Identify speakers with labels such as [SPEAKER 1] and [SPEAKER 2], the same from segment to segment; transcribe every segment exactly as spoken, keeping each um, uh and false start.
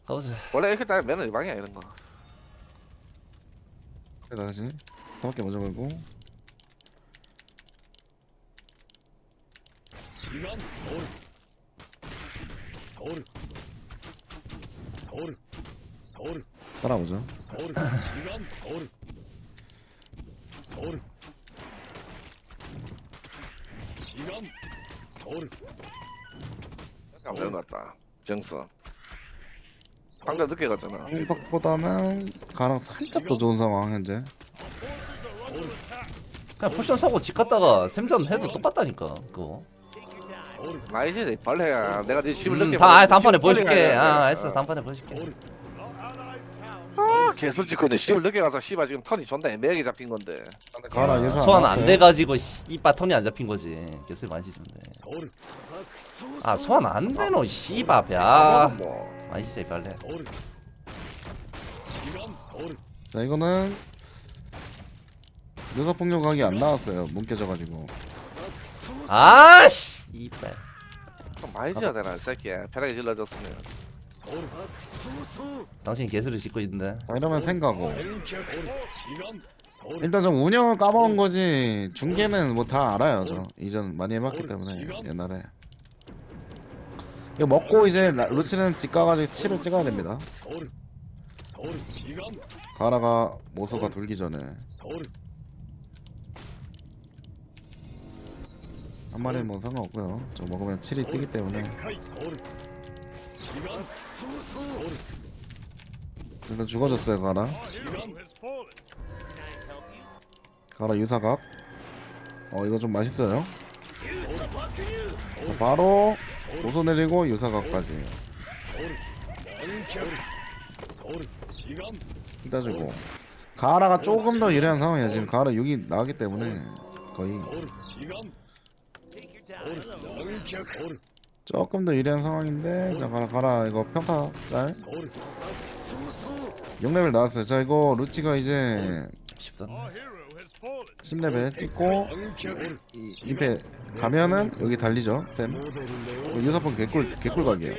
[SPEAKER 1] 가보자.
[SPEAKER 2] 원래 이렇게 따면 매너 유방이야 이런 거.
[SPEAKER 3] 그래 다시 가볍게 먼저 걸고.
[SPEAKER 4] 시간 서울 서울 서울 서울
[SPEAKER 3] 따라오죠.
[SPEAKER 4] 서울 시간 서울 서울 시간 서울
[SPEAKER 2] 안 되는 것 같다. 정수. 방금 늦게 갔잖아.
[SPEAKER 3] 한석보다는 가랑 살짝 더 좋은 상황 현재.
[SPEAKER 1] 그냥 포션 사고 집 갔다가 샘전 해도 똑같다니까 그거.
[SPEAKER 2] 아니지 벌레야. 내가 네 집을
[SPEAKER 1] 음,
[SPEAKER 2] 늦게.
[SPEAKER 1] 다 아,
[SPEAKER 2] 보냈는데
[SPEAKER 1] 단판에
[SPEAKER 2] 집을
[SPEAKER 1] 보여줄게.
[SPEAKER 2] 빨리 가야 돼.
[SPEAKER 1] 아, 알았어.
[SPEAKER 2] 어.
[SPEAKER 1] 단판에 보여줄게.
[SPEAKER 4] 서울
[SPEAKER 2] 아, 개술 찍고 있네. 씨발 늦게 가서 씨발 지금 턴이 존나 애매하게 잡힌 건데.
[SPEAKER 3] 가라 예상
[SPEAKER 1] 소환 안 돼가지고 씨바 턴이 안 잡힌 거지. 개술 많이 찢으면 돼.
[SPEAKER 4] 서울
[SPEAKER 1] 아 소환 안 되노 씨바 배.
[SPEAKER 2] 아,
[SPEAKER 1] 아
[SPEAKER 2] 뭐.
[SPEAKER 1] 많이 찢어 빨래.
[SPEAKER 4] 서울 시간 서울
[SPEAKER 3] 자 이거는 녀석 폭력 각이 안 나왔어요. 문 깨져가지고.
[SPEAKER 1] 아 씨발.
[SPEAKER 2] 좀 많이 지어야 되나 이 새끼야. 편하게 질러줬으면.
[SPEAKER 4] 서울
[SPEAKER 1] 당신이 개술을 짓고 있는데.
[SPEAKER 3] 자 이러면 생가고.
[SPEAKER 4] 서울 시간 서울
[SPEAKER 3] 일단 좀 운영을 까먹은 거지. 중계는 뭐 다 알아요. 저 이전 많이 해봤기 때문에 옛날에. 이거 먹고 이제 라- 루치는 집 가가지고 칠을 찍어야 됩니다.
[SPEAKER 4] 서울 서울 시간
[SPEAKER 3] 가라가 모소가 돌기 전에
[SPEAKER 4] 서울
[SPEAKER 3] 한 마리는 뭐 상관없고요. 저 먹으면 칠이 뜨기 때문에
[SPEAKER 4] 서울 시간 서울
[SPEAKER 3] 일단 죽어줬어요 가라.
[SPEAKER 4] 시간
[SPEAKER 3] 가라 유사각. 어 이거 좀 맛있어요. 자, 바로 모소 내리고 유사각까지
[SPEAKER 4] 서울 서울 시간
[SPEAKER 3] 일단 주고. 가라가 조금 더 유리한 상황이야. 지금 가라 육이 나왔기 때문에 거의
[SPEAKER 4] 서울 시간 서울 서울
[SPEAKER 3] 조금 더 유리한 상황인데. 자 가라 가라 이거 평타 짤
[SPEAKER 4] 서울
[SPEAKER 3] 육 레벨 나왔어요. 자 이거 루치가 이제
[SPEAKER 1] 쉽다.
[SPEAKER 3] 십 레벨 찍고 이 임페 가면은 여기 달리죠 쌤. 유사폰 개꿀 개꿀 각이에요.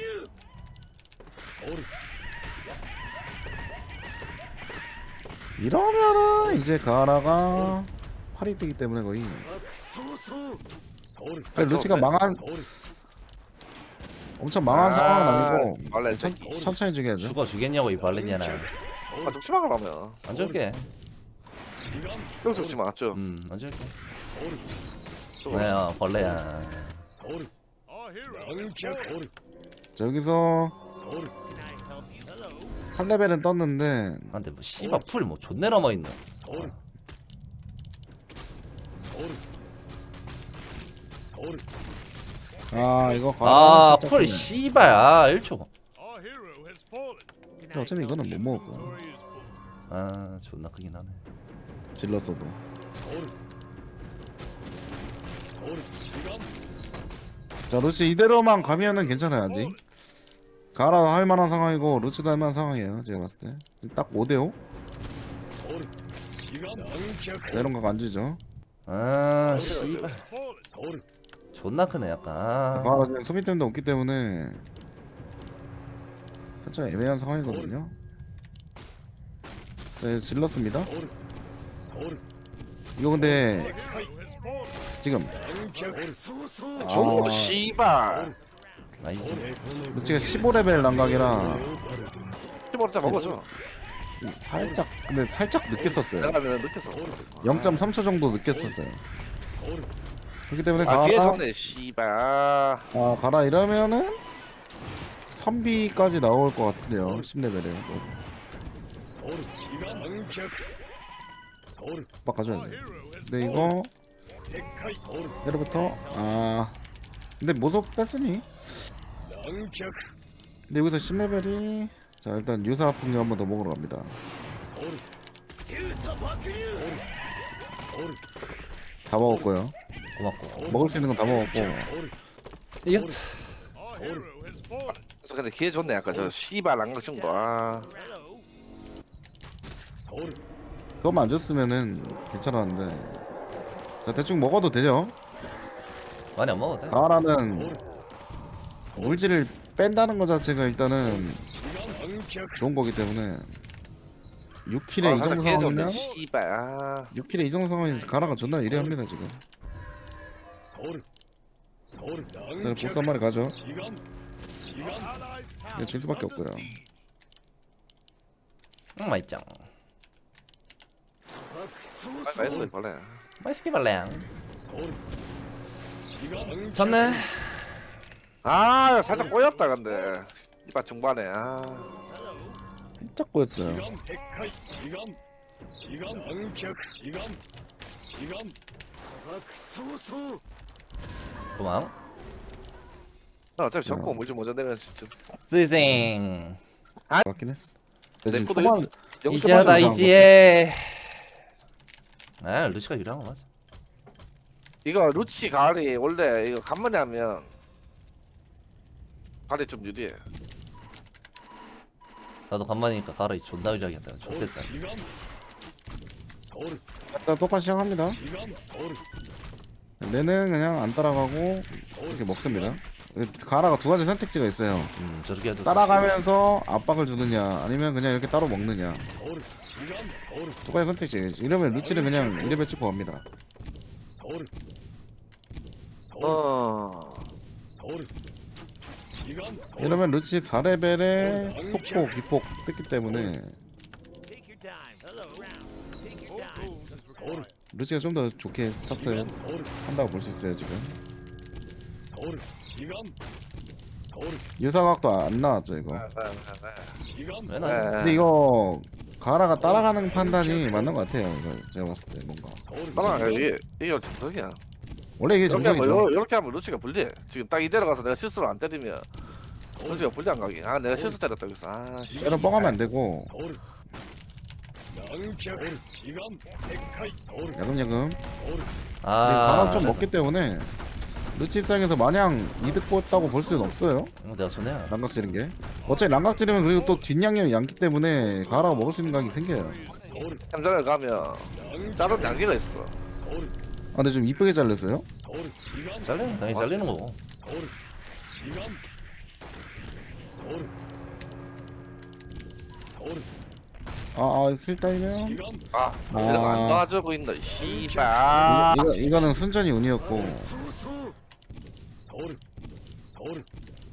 [SPEAKER 3] 이러면은 이제 가라가 팔이 뜨기 때문에 거의
[SPEAKER 4] 서울
[SPEAKER 3] 그러니까 루치가 망한
[SPEAKER 4] 서울
[SPEAKER 3] 엄청 망한 상황은 아니고
[SPEAKER 2] 원래
[SPEAKER 3] 천,
[SPEAKER 2] 새끼.
[SPEAKER 3] 천천히 죽여야죠.
[SPEAKER 1] 죽어 주겠냐고 이 발레냐나.
[SPEAKER 2] 아 죽지 마 그러면.
[SPEAKER 1] 안 줄게.
[SPEAKER 4] 시간
[SPEAKER 2] 또 죽지 마. 쭉.
[SPEAKER 1] 음안 줄게.
[SPEAKER 4] 서울
[SPEAKER 2] 쭉.
[SPEAKER 1] 뭐야 벌레야.
[SPEAKER 4] 서울 서울
[SPEAKER 3] 자, 여기서
[SPEAKER 4] 서울
[SPEAKER 3] 팔 레벨은 떴는데
[SPEAKER 1] 아, 근데 뭐 씨바 풀뭐 존내 남아 있네.
[SPEAKER 4] 서울 서울 서울
[SPEAKER 3] 아 이거
[SPEAKER 1] 아,
[SPEAKER 3] 살짝
[SPEAKER 1] 풀
[SPEAKER 3] 좀-
[SPEAKER 1] 씨발. 아, 일 초.
[SPEAKER 3] 근데 어차피 이거는 못 먹을 거야.
[SPEAKER 1] 아, 존나 크긴 하네.
[SPEAKER 3] 질렀어도.
[SPEAKER 4] 서울 서울 시간
[SPEAKER 3] 자 루치 이대로만 가면은 괜찮아요 아직. 가라 할 만한 상황이고 루치도 할 만한 상황이에요 제가 봤을 때. 지금 딱 오 대 오.
[SPEAKER 4] 서울 시간
[SPEAKER 3] 이런 거안 주죠.
[SPEAKER 1] 아, 씨발.
[SPEAKER 4] 서울
[SPEAKER 1] 존나 크네 약간. 아.
[SPEAKER 3] 가라 지금 소비템도 없기 때문에 살짝 애매한 상황이거든요. 자 이제 질렀습니다.
[SPEAKER 4] 서울 서울
[SPEAKER 3] 이거 근데 지금
[SPEAKER 4] 서울
[SPEAKER 2] 줘
[SPEAKER 3] 아.
[SPEAKER 2] 씨발.
[SPEAKER 1] 나이스.
[SPEAKER 3] 루치가 십오 레벨 난각이라
[SPEAKER 2] 십오를 먹어줘.
[SPEAKER 3] 살짝 근데 살짝 늦게 썼어요.
[SPEAKER 2] 내가 하면 늦겠어.
[SPEAKER 3] 영 점 삼 초 정도 늦게 썼어요. 그렇기 때문에
[SPEAKER 2] 아 뒤에
[SPEAKER 3] 가라
[SPEAKER 2] 좋네 씨발. 아,
[SPEAKER 3] 아 가라 이러면은 선비까지 나올 것 같은데요. 십 레벨에
[SPEAKER 4] 서울 시간 서울
[SPEAKER 3] 빡 가져야 돼. 근데 이거
[SPEAKER 4] 서울
[SPEAKER 3] 내려부터 아 근데 모속 뺐으니.
[SPEAKER 4] 낭격
[SPEAKER 3] 근데 여기서 십 레벨이 자 일단 유사 폭력 한 번 더 먹으러 갑니다.
[SPEAKER 4] 서울 서울
[SPEAKER 3] 다 먹었고요.
[SPEAKER 1] 고맙고.
[SPEAKER 3] 먹을 수 있는 건 다 먹었고.
[SPEAKER 4] 서울
[SPEAKER 1] 이거
[SPEAKER 4] 서울
[SPEAKER 2] 그래서 근데 기회 좋네 아까 저 씨발 안각 준 거. 아.
[SPEAKER 4] 서울
[SPEAKER 3] 그것만 안 줬으면은 괜찮았는데. 자 대충 먹어도 되죠.
[SPEAKER 1] 많이 안 먹어도 돼.
[SPEAKER 3] 가라는 물질을 뺀다는 것 자체가 일단은
[SPEAKER 4] 시간 낭격
[SPEAKER 3] 좋은 거기 때문에 육 킬에
[SPEAKER 2] 아,
[SPEAKER 3] 이
[SPEAKER 2] 살짝
[SPEAKER 3] 정도
[SPEAKER 2] 깨졌네
[SPEAKER 3] 상황이면
[SPEAKER 2] 씨발. 아
[SPEAKER 3] 육 킬에 이 정도 상황이면 가라가 존나 유리합니다 지금.
[SPEAKER 4] 서울 서울
[SPEAKER 3] 저는 보스 한 마리 가죠.
[SPEAKER 4] 시간 시간
[SPEAKER 3] 이거 질 수밖에 없고요.
[SPEAKER 1] 응 맛있죠.
[SPEAKER 2] 아, 나이스 벌레.
[SPEAKER 1] 맛있게 발레양.
[SPEAKER 4] 서울 시간
[SPEAKER 1] 졌네.
[SPEAKER 2] 아 살짝 꼬였다 근데 이봐 중반에 아
[SPEAKER 3] 살짝 보였어요.
[SPEAKER 4] 시간 백하이 시간 시간 낭격 시간 시간 박소수
[SPEAKER 1] 도망.
[SPEAKER 2] 나 어차피 접고 물좀 먼저 내면 진짜
[SPEAKER 1] 스생.
[SPEAKER 3] 맞긴 했어. 근데 지금
[SPEAKER 2] 내 거도
[SPEAKER 3] 초반
[SPEAKER 2] 영점
[SPEAKER 1] 이지하다
[SPEAKER 3] 맞아.
[SPEAKER 1] 이지해. 아 루시가 유리한 거 맞아.
[SPEAKER 2] 이거 루치 가을이 원래 이거 간만에 하면 가을이 좀 유리해.
[SPEAKER 1] 나도 간만이니까 가라 이 존나 유리하게 한다.
[SPEAKER 4] 서울
[SPEAKER 1] 좋겠다.
[SPEAKER 4] 시간 서울
[SPEAKER 3] 일단 똑같이 시작합니다.
[SPEAKER 4] 시간 서울
[SPEAKER 3] 얘는 그냥 안 따라가고 이렇게 먹습니다. 가라가 두 가지 선택지가 있어요.
[SPEAKER 1] 음 저렇게 해도
[SPEAKER 3] 따라가면서 압박을 주느냐 아니면 그냥 이렇게 따로 먹느냐
[SPEAKER 4] 서울 시간 서울
[SPEAKER 3] 두 가지 선택지. 이러면 루치는 그냥 일 레벨 찍고 갑니다.
[SPEAKER 4] 서울 서울
[SPEAKER 2] 어
[SPEAKER 4] 서울 시간 서울
[SPEAKER 3] 이러면 루치 사 레벨에 속보 기폭 뜯기 때문에
[SPEAKER 4] 서울
[SPEAKER 3] 루치가 좀 더 좋게 스타트
[SPEAKER 4] 서울
[SPEAKER 3] 한다고 볼 수 있어요 지금.
[SPEAKER 4] 서울 시간 서울
[SPEAKER 3] 유사각도 안 나왔죠 이거.
[SPEAKER 4] 시간
[SPEAKER 1] 왜 나?
[SPEAKER 3] 근데 이거 가라가 따라가는 판단이 맞는 것 같아요. 이거 제가 봤을 때 뭔가
[SPEAKER 4] 서울
[SPEAKER 2] 따라 이게 이게 정석이야.
[SPEAKER 3] 원래 이게
[SPEAKER 2] 이렇게 하면
[SPEAKER 3] 정상이죠.
[SPEAKER 2] 요- 이렇게 하면 루치가 불리해. 지금 딱 이대로 가서 내가 실수로 안 때리면 루치가 불리한 가기. 아 내가 실수 때렸다 그래서 아 씨.
[SPEAKER 3] 때려 뻥하면 안 되고
[SPEAKER 4] 서울 낭격 서울 시간 백하이 서울
[SPEAKER 3] 야금야금.
[SPEAKER 4] 서울
[SPEAKER 1] 아
[SPEAKER 3] 가라 좀 먹기 때문에 루치 입장에서 마냥 이득 봤다고 볼 수는 없어요.
[SPEAKER 1] 어, 내가 손해야.
[SPEAKER 3] 랑각 지른 게. 어차피 랑각 지르면 그리고 또 뒷양념이 양기 때문에 가라가 먹을 수 있는 각이 생겨요.
[SPEAKER 4] 서울
[SPEAKER 2] 삼전을 가면
[SPEAKER 4] 낭격
[SPEAKER 2] 자른 양기가 있어.
[SPEAKER 4] 서울
[SPEAKER 3] 아 근데 좀 이쁘게 잘렸어요.
[SPEAKER 4] 서울 시간
[SPEAKER 1] 잘리는 당연히 잘리는 거고.
[SPEAKER 4] 서울 시간 서울 서울
[SPEAKER 3] 아아킬 따이면
[SPEAKER 4] 시간
[SPEAKER 2] 아
[SPEAKER 3] 아.
[SPEAKER 2] 이러면 안 도와줘 보인다. 씨발. 아.
[SPEAKER 3] 이거 이거는 순전히 운이었고
[SPEAKER 4] 수수 서울 서울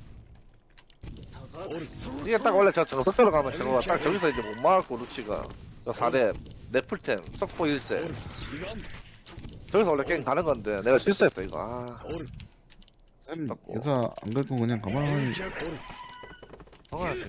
[SPEAKER 4] 서울
[SPEAKER 2] 이게 딱 원래 저 정석대로 가면 저거 딱 저기서 이제 못 막았고 루치가 저 사 렙 네플템 속보 일 세
[SPEAKER 4] 서울 시간
[SPEAKER 2] 저기서 원래 게임 가는 건데 내가 실수했다 이거. 아
[SPEAKER 4] 서울
[SPEAKER 3] 쌤 여사 안 긁고 그냥 가만히
[SPEAKER 4] 서울
[SPEAKER 2] 성화지.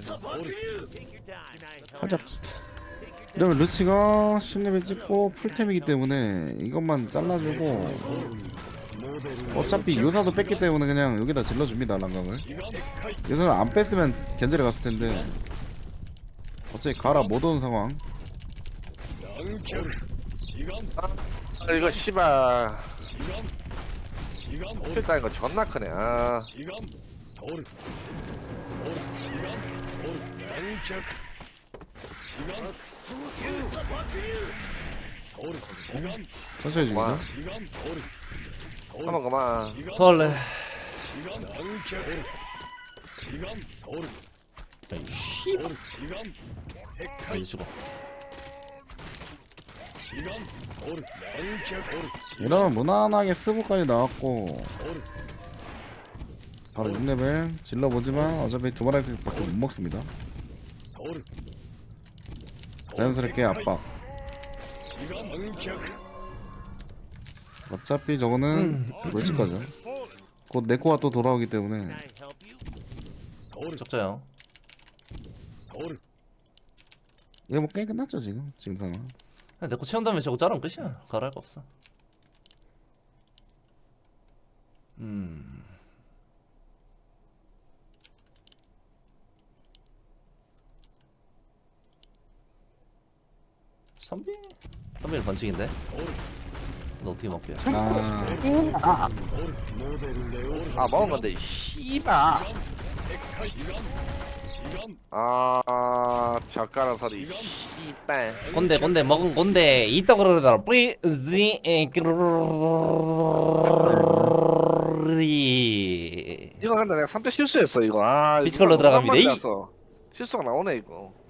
[SPEAKER 3] 살짝. 이러면 루치가 십 레벨 찍고 풀템이기 때문에 이것만 잘라주고 어차피 요사도 뺐기 때문에 그냥 여기다 질러줍니다 랑각을.
[SPEAKER 4] 시간 백하이
[SPEAKER 3] 요사를 안 뺐으면 견제를 갔을 텐데 어차피 가라 못 오는 상황.
[SPEAKER 4] 낭격 시간
[SPEAKER 2] 아 이거 씨발
[SPEAKER 4] 시간 시간 서울
[SPEAKER 2] 필 따인 거 존나 크네. 아
[SPEAKER 4] 시간 서울 서울 시간 서울 낭격 시간 서울 시간
[SPEAKER 3] 천천히
[SPEAKER 2] 와.
[SPEAKER 3] 죽이죠.
[SPEAKER 4] 시간 서울 서울
[SPEAKER 2] 한번 그만.
[SPEAKER 4] 시간
[SPEAKER 1] 털래.
[SPEAKER 4] 시간 낭격 서울 시간 서울
[SPEAKER 1] 씨.
[SPEAKER 4] 서울 시간 백하이
[SPEAKER 1] 이제 죽어.
[SPEAKER 4] 시간 서울 낭격 서울
[SPEAKER 3] 이러면 무난하게 스부까지 나왔고
[SPEAKER 4] 서울
[SPEAKER 3] 바로 육 레벨 질러보지만 어차피 두 마리밖에 못 먹습니다.
[SPEAKER 4] 서울
[SPEAKER 3] 자연스럽게 압박.
[SPEAKER 4] 시간 낭격
[SPEAKER 3] 어차피 저거는 멸치 거죠. 곧 네코가 또 돌아오기 때문에
[SPEAKER 4] 서울
[SPEAKER 1] 적자요.
[SPEAKER 4] 서울
[SPEAKER 3] 이거 뭐 게임 끝났죠 지금 지금 상황.
[SPEAKER 1] 내거 채운 다음에 저거 자르면 끝이야. 가라 할 거 없어. 음. 선비? 선비는 번칙인데?
[SPEAKER 4] 서울
[SPEAKER 1] 너 어떻게 먹게?
[SPEAKER 3] 아
[SPEAKER 4] 서울 모델 레오
[SPEAKER 2] 아 먹은 건데 씨발.
[SPEAKER 4] 백하이 시간 시간
[SPEAKER 2] 아 젓가락 소리 씨발.
[SPEAKER 1] 곤대 곤대 먹은 곤대 이따 그러더라. 뿌리지
[SPEAKER 2] 이거 근데 내가 삼 대 실수했어 이거. 아
[SPEAKER 1] 피지컬로
[SPEAKER 2] 이거
[SPEAKER 1] 들어갑니다.
[SPEAKER 2] 너무
[SPEAKER 1] 이.
[SPEAKER 2] 많이 났어. 실수가 나오네 이거.